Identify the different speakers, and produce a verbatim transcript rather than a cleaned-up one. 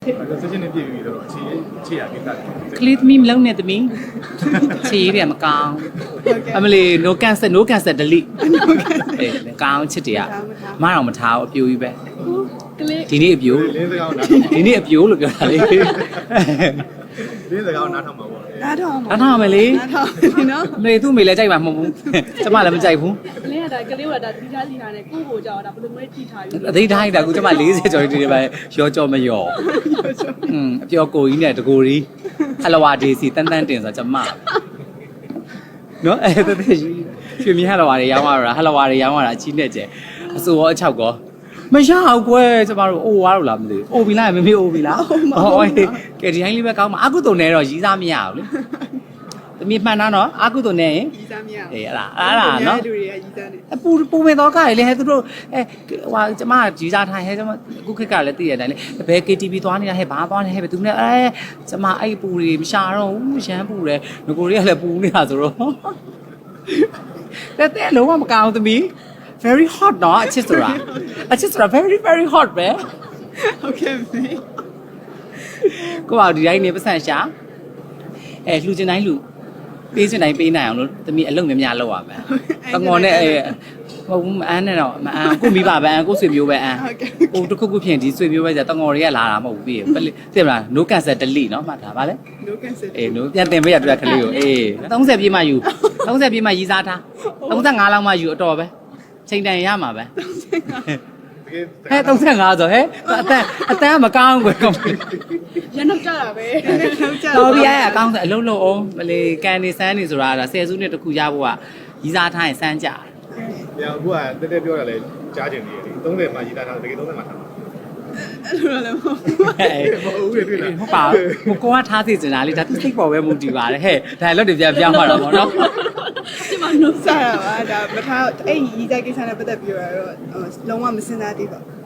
Speaker 1: ဆက်ချင်းနေပြည်ပြီတော့အခြေအခြေရကိစ္စ
Speaker 2: ကလေးသမီးမလုံးနဲ့သမီးခြေရည်တွေမကောင်းအမလီ no cancer no cancer delete အေးကောင်းချစ်တွေကမအောင်မထားဘူးအပြိုကြီးပဲဒီနေ့အပြို
Speaker 1: လင်းစကားနား
Speaker 2: ဒီနေ့အပြိုလို့ပြောတာလေ
Speaker 1: လင်းစကားနားထောင်မှာပေါ့
Speaker 3: နားထောင်
Speaker 2: နားထောင်မယ်လေ
Speaker 3: နားထောင်နော်
Speaker 2: မေသူ့မေလည်းကြိုက်မှာမဟုတ်ဘူးကျမလည်းမကြိုက်ဘူး
Speaker 3: ကလေးကဒါကလေးကဒါဒီသားစီထားနဲ့ကိုယ့်ကိုကြောက်တာဘယ်လိုမျိုးထိထားယူ
Speaker 2: အသိတိုင်းတာကူကျမ၄၀ကျော်ဒီတွေပဲရောကြောမရောอืมအပြောကိုကြီးနဲ့တကိုကြီးဟလဝါဒေစီတန်းတန်းတင်ဆိုကျမနော်အဲ့ဒါတည်းရွှေမြဟလဝါတွေရောင်းရတာဟလဝါတွေရောင်းရတာအချင်းနဲ့ကျအစိုးရအချောက်ကောမရအောင်ကွယ်ကျမတို့အိုးွားလို့လားမသိဘူးအိုးပြီလားမမေအိုးပြီလားဟောကဲဒီဟိုင်းလေးပဲကောင်းမှာအကုတုံနဲ့တော့ရီးစားမရဘူးလေသမီးမှန်တာနော်အကုတုံနဲ့ရင်
Speaker 3: ရီးစားမရ
Speaker 2: အေးအဲ့ဒါအဲ့ဒါနော်
Speaker 3: လူတွေကရီးစားနေ
Speaker 2: အပူပူမဲ့တော့ကရလေဟဲ့သူတို့အဲဟိုကျမရီးစားထိုင်ဟဲ့ကျမအခုခက်ကလည်းသိရတဲ့အတိုင်းလေဘယ် ကေ တီ ဗီ သွားနေတာဟဲ့ဘာသွားနေဟဲ့ဘယ်သူနဲ့အဲကျမအဲ့ပူတွေမရှာတော့ဘူးရမ်းပူတယ်ငကိုတွေကလည်းပူနေတာဆိုတော့တဲ့တဲ့လုံးဝမကောင်းသမီး very hot နော်အချစ်ဆိုတာအချစ်ဆိုတာ very very hot ပဲ
Speaker 3: ဟုတ်ကဲ့မေ
Speaker 2: ကိုပေါ့ဒီတိုင်းနေပတ်စံရှာအဲလှူချင်တိုင်းလှူပေးချင်တိုင်းပေးနိုင်အောင်လို့သမီးအလုပ်များများလုပ်ရမယ်တငေါ်နဲ့အဲမဟုတ်ဘူးမအန်းနဲ့တော့မအန်းကိုမိဘပဲအန်းကိုဆွေမျိုးပဲအန်းဟိုတစ်ခုခုဖြစ်ဒီဆွေမျိုးပဲじゃတငေါ်တွေကလာတာမဟုတ်ဘူးပြီးသိမလား no cancer delete เนาะမှတ်ထားပါလေ
Speaker 3: no cancer
Speaker 2: အေး no ပြန်တင်ပေးရတွေ့ကလေးကိုအေး30ပြည့်မှယူ30ပြည့်မှရီးစားထား35လောက်မှယူအတော်ပဲချိန်တန်ရမှာပဲဟဲ့35ဆိုဟဲ့အတန်အတန်မကောင်းဘူးကွယ်
Speaker 3: ရနောက်ကြတာပဲနောက်ကြ
Speaker 2: တော်ပြီအဲ့အကောင်းဆိုအလုံးလုံးအောင်မလေးကန်နေစမ်းနေဆိုတာဒါဆယ်စုနှစ်တစ်ခုရဖို့ကရီးစားထားရင်စမ်းကြတယ်
Speaker 1: ။ပြန်အခုကတက်တက်ပြောရလဲကြားကျင်နေတယ်။သုံးဆယ်မှာရေးသားတာတကယ်သုံးဆယ်မှာထားတာ
Speaker 3: အဲ့လိုလည်းမဟုတ်
Speaker 2: ဟဲ့
Speaker 1: ။မဟုတ်ဘူးတွေ့လား
Speaker 2: ဟုတ်ပါဘူးကိုကထားစီစင်တာလေဒါသူစိတ်ပေါ်ပဲမူတည်ပါတယ်ဟဲ့ဒါလည်းတွေပြန်ပြောင်းသွားတာပေါ့နော်
Speaker 3: ဒီမှာနှုတ်ဆက်ရပါဒါမထားအဲ့ဒီရီးစားကိစ္စနဲ့ပတ်သက်ပြီးတော့လုံးဝမစင်စားသေးပါဘူး